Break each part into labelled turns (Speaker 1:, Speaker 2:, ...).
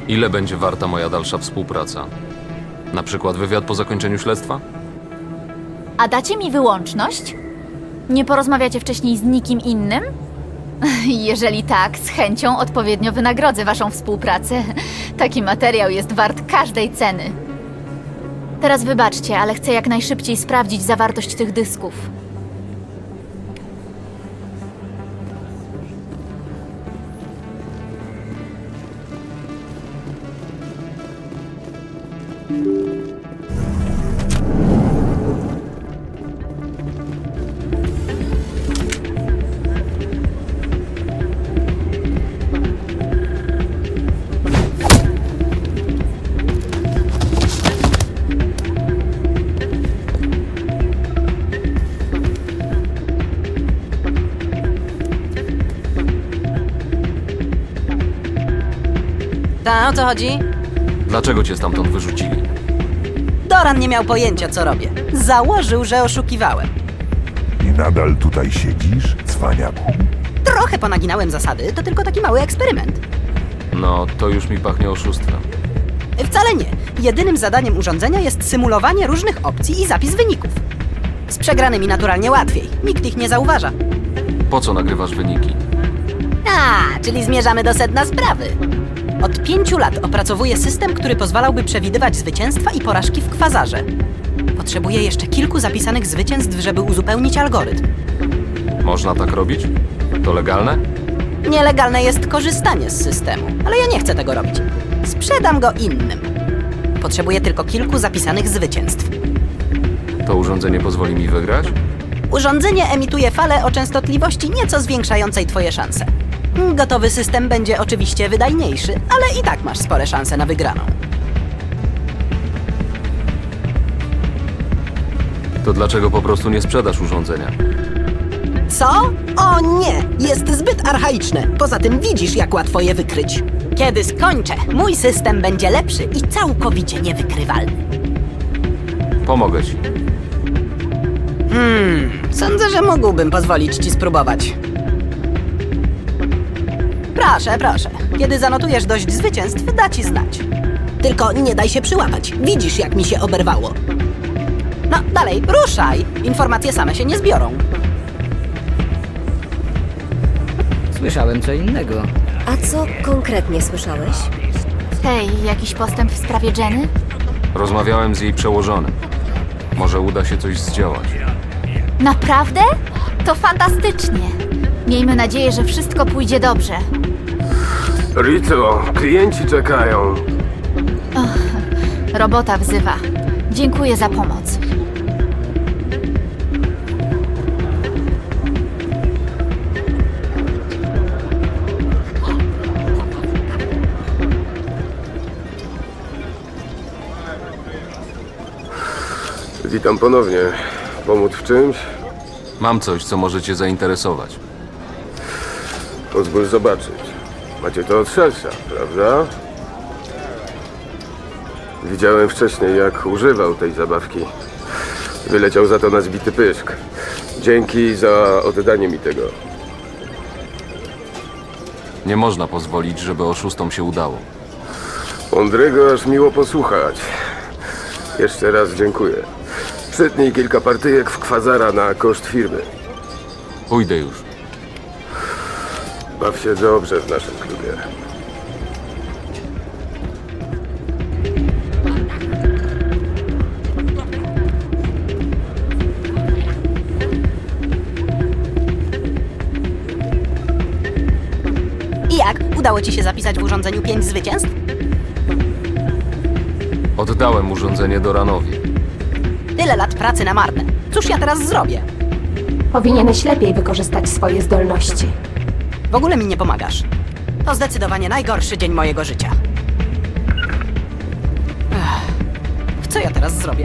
Speaker 1: Ile będzie warta moja dalsza współpraca? Na przykład wywiad po zakończeniu śledztwa?
Speaker 2: A dacie mi wyłączność? Nie porozmawiacie wcześniej z nikim innym? Jeżeli tak, z chęcią odpowiednio wynagrodzę waszą współpracę. Taki materiał jest wart każdej ceny. Teraz wybaczcie, ale chcę jak najszybciej sprawdzić zawartość tych dysków.
Speaker 3: Ta, o co chodzi?
Speaker 1: Dlaczego cię stamtąd wyrzucili?
Speaker 3: Doran nie miał pojęcia, co robię. Założył, że oszukiwałem.
Speaker 4: I nadal tutaj siedzisz, cwaniaku?
Speaker 3: Trochę ponaginałem zasady, to tylko taki mały eksperyment.
Speaker 1: No, to już mi pachnie oszustwem.
Speaker 3: Wcale nie. Jedynym zadaniem urządzenia jest symulowanie różnych opcji i zapis wyników. Z przegranymi naturalnie łatwiej. Nikt ich nie zauważa.
Speaker 1: Po co nagrywasz wyniki?
Speaker 3: A, czyli zmierzamy do sedna sprawy. Od 5 lat opracowuję system, który pozwalałby przewidywać zwycięstwa i porażki w kwazarze. Potrzebuję jeszcze kilku zapisanych zwycięstw, żeby uzupełnić algorytm.
Speaker 1: Można tak robić? To legalne?
Speaker 3: Nielegalne jest korzystanie z systemu, ale ja nie chcę tego robić. Sprzedam go innym. Potrzebuję tylko kilku zapisanych zwycięstw.
Speaker 1: To urządzenie pozwoli mi wygrać?
Speaker 3: Urządzenie emituje falę o częstotliwości nieco zwiększającej twoje szanse. Gotowy system będzie oczywiście wydajniejszy, ale i tak masz spore szanse na wygraną.
Speaker 1: To dlaczego po prostu nie sprzedasz urządzenia?
Speaker 5: Co? O nie! Jest zbyt archaiczne. Poza tym widzisz, jak łatwo je wykryć.
Speaker 3: Kiedy skończę, mój system będzie lepszy i całkowicie niewykrywalny.
Speaker 1: Pomogę ci.
Speaker 3: Sądzę, że mógłbym pozwolić ci spróbować. Proszę, proszę. Kiedy zanotujesz dość zwycięstw, da ci znać.
Speaker 5: Tylko nie daj się przyłapać. Widzisz, jak mi się oberwało.
Speaker 3: No, dalej, ruszaj! Informacje same się nie zbiorą.
Speaker 6: Słyszałem co innego.
Speaker 7: A co konkretnie słyszałeś?
Speaker 2: Hej, jakiś postęp w sprawie Jenny?
Speaker 1: Rozmawiałem z jej przełożonym. Może uda się coś zdziałać.
Speaker 2: Naprawdę? To fantastycznie. Miejmy nadzieję, że wszystko pójdzie dobrze.
Speaker 8: Rito, klienci czekają.
Speaker 2: Robota wzywa. Dziękuję za pomoc.
Speaker 8: Witam ponownie. Pomóc w czymś?
Speaker 1: Mam coś, co może cię zainteresować.
Speaker 8: Pozwól zobaczyć. Macie to od szersza, prawda? Widziałem wcześniej, jak używał tej zabawki. Wyleciał za to na zbity pyszk. Dzięki za oddanie mi tego.
Speaker 1: Nie można pozwolić, żeby oszustom się udało.
Speaker 8: Mądrego aż miło posłuchać. Jeszcze raz dziękuję. Przytnij kilka partyjek w kwazara na koszt firmy.
Speaker 1: Pójdę już.
Speaker 8: Baw się dobrze w naszym klubie.
Speaker 3: I jak? Udało ci się zapisać w urządzeniu 5 zwycięstw?
Speaker 1: Oddałem urządzenie Doranowi.
Speaker 3: Tyle lat pracy na marne. Cóż ja teraz zrobię?
Speaker 7: Powinieneś lepiej wykorzystać swoje zdolności.
Speaker 3: W ogóle mi nie pomagasz. To zdecydowanie najgorszy dzień mojego życia. Co ja teraz zrobię?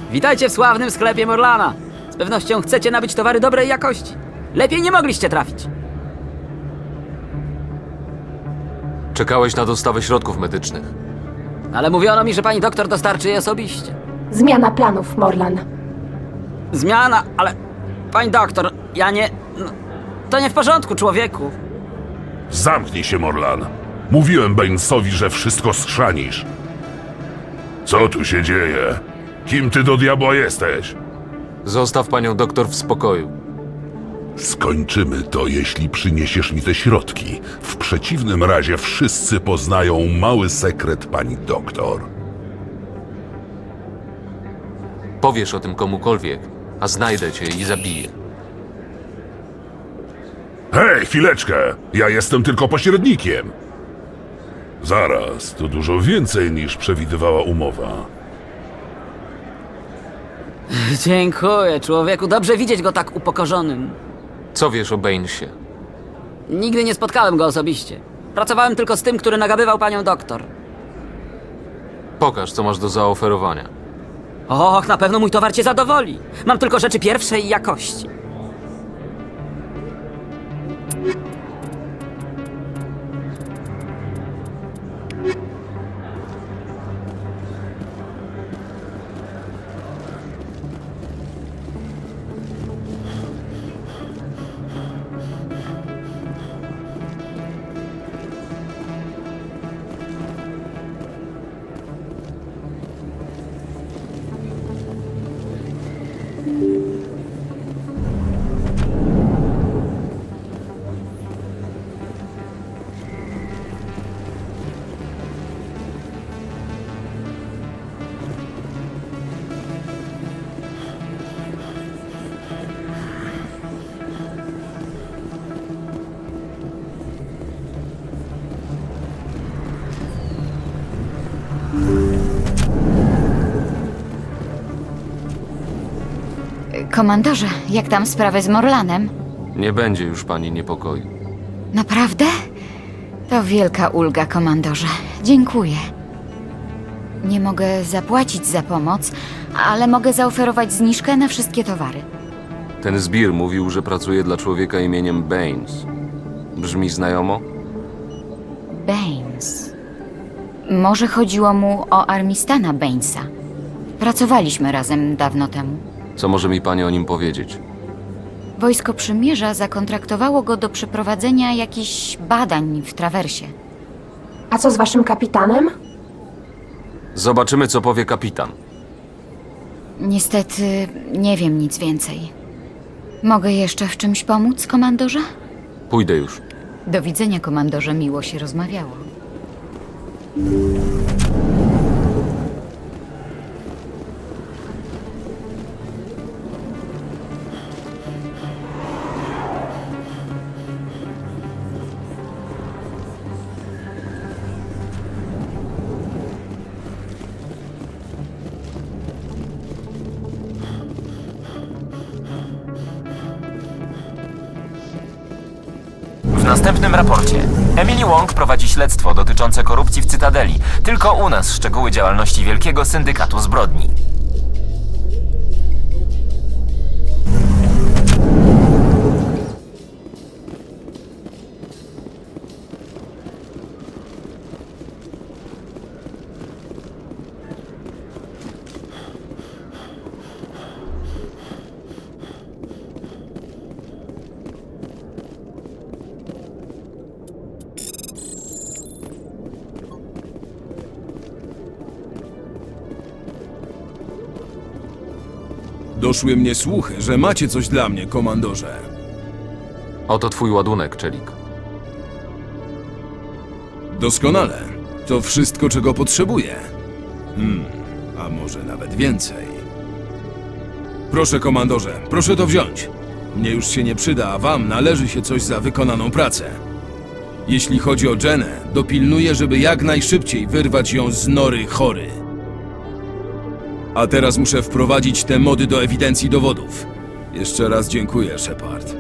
Speaker 6: Witajcie w sławnym sklepie Morlana. Z pewnością chcecie nabyć towary dobrej jakości. Lepiej nie mogliście trafić.
Speaker 1: Czekałeś na dostawę środków medycznych.
Speaker 6: Ale mówiono mi, że pani doktor dostarczy je osobiście.
Speaker 7: Zmiana planów, Morlan.
Speaker 6: Zmiana, ale... Pani doktor, ja nie... No, to nie w porządku, człowieku.
Speaker 4: Zamknij się, Morlan. Mówiłem Bainesowi, że wszystko schrzanisz. Co tu się dzieje? Kim ty do diabła jesteś?
Speaker 1: Zostaw panią doktor w spokoju.
Speaker 4: Skończymy to, jeśli przyniesiesz mi te środki. W przeciwnym razie wszyscy poznają mały sekret pani doktor.
Speaker 1: Powiesz o tym komukolwiek, a znajdę cię i zabiję.
Speaker 4: Hej, chwileczkę! Ja jestem tylko pośrednikiem. Zaraz, to dużo więcej niż przewidywała umowa.
Speaker 6: Dziękuję, człowieku. Dobrze widzieć go tak upokorzonym.
Speaker 1: Co wiesz o Bainesie?
Speaker 6: Nigdy nie spotkałem go osobiście. Pracowałem tylko z tym, który nagabywał panią doktor.
Speaker 1: Pokaż, co masz do zaoferowania.
Speaker 6: Och, na pewno mój towar cię zadowoli. Mam tylko rzeczy pierwszej jakości.
Speaker 2: Komandorze, jak tam sprawy z Morlanem?
Speaker 1: Nie będzie już pani niepokoju.
Speaker 2: Naprawdę? To wielka ulga, komandorze. Dziękuję. Nie mogę zapłacić za pomoc, ale mogę zaoferować zniżkę na wszystkie towary.
Speaker 1: Ten zbir mówił, że pracuje dla człowieka imieniem Baines. Brzmi znajomo?
Speaker 2: Baines. Może chodziło mu o Armistana Bainesa. Pracowaliśmy razem dawno temu.
Speaker 1: Co może mi pani o nim powiedzieć?
Speaker 2: Wojsko Przymierza zakontraktowało go do przeprowadzenia jakichś badań w Trawersie.
Speaker 7: A co z waszym kapitanem?
Speaker 1: Zobaczymy, co powie kapitan.
Speaker 2: Niestety nie wiem nic więcej. Mogę jeszcze w czymś pomóc, komandorze?
Speaker 1: Pójdę już.
Speaker 2: Do widzenia, komandorze. Miło się rozmawiało.
Speaker 9: W następnym raporcie Emily Wong prowadzi śledztwo dotyczące korupcji w Cytadeli. Tylko u nas szczegóły działalności wielkiego syndykatu zbrodni.
Speaker 10: Doszły mnie słuchy, że macie coś dla mnie, komandorze.
Speaker 1: Oto twój ładunek, Czelik.
Speaker 10: Doskonale. To wszystko, czego potrzebuję. A może nawet więcej. Proszę, komandorze, proszę to wziąć. Mnie już się nie przyda, a wam należy się coś za wykonaną pracę. Jeśli chodzi o Jenę, dopilnuję, żeby jak najszybciej wyrwać ją z nory chory. A teraz muszę wprowadzić te mody do ewidencji dowodów. Jeszcze raz dziękuję, Shepard.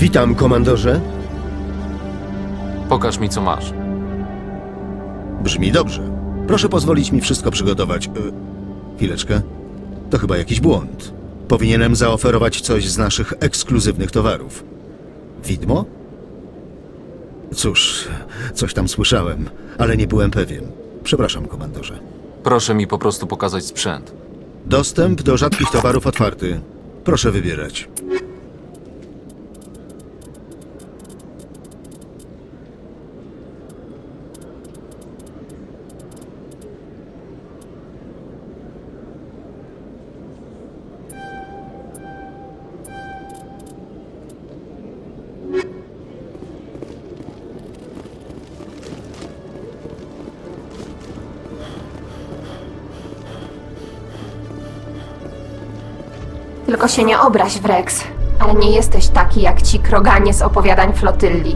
Speaker 11: Witam, komandorze.
Speaker 1: Pokaż mi, co masz.
Speaker 11: Brzmi dobrze. Proszę pozwolić mi wszystko przygotować. Chwileczkę. To chyba jakiś błąd. Powinienem zaoferować coś z naszych ekskluzywnych towarów. Widmo? Cóż, coś tam słyszałem, ale nie byłem pewien. Przepraszam, komandorze.
Speaker 1: Proszę mi po prostu pokazać sprzęt.
Speaker 11: Dostęp do rzadkich towarów otwarty. Proszę wybierać.
Speaker 7: Tylko się nie obraź, Wrex, ale nie jesteś taki jak ci kroganie z opowiadań flotylli.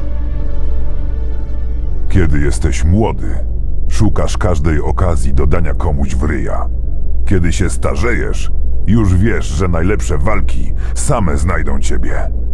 Speaker 4: Kiedy jesteś młody, szukasz każdej okazji do dania komuś w ryja. Kiedy się starzejesz, już wiesz, że najlepsze walki same znajdą ciebie.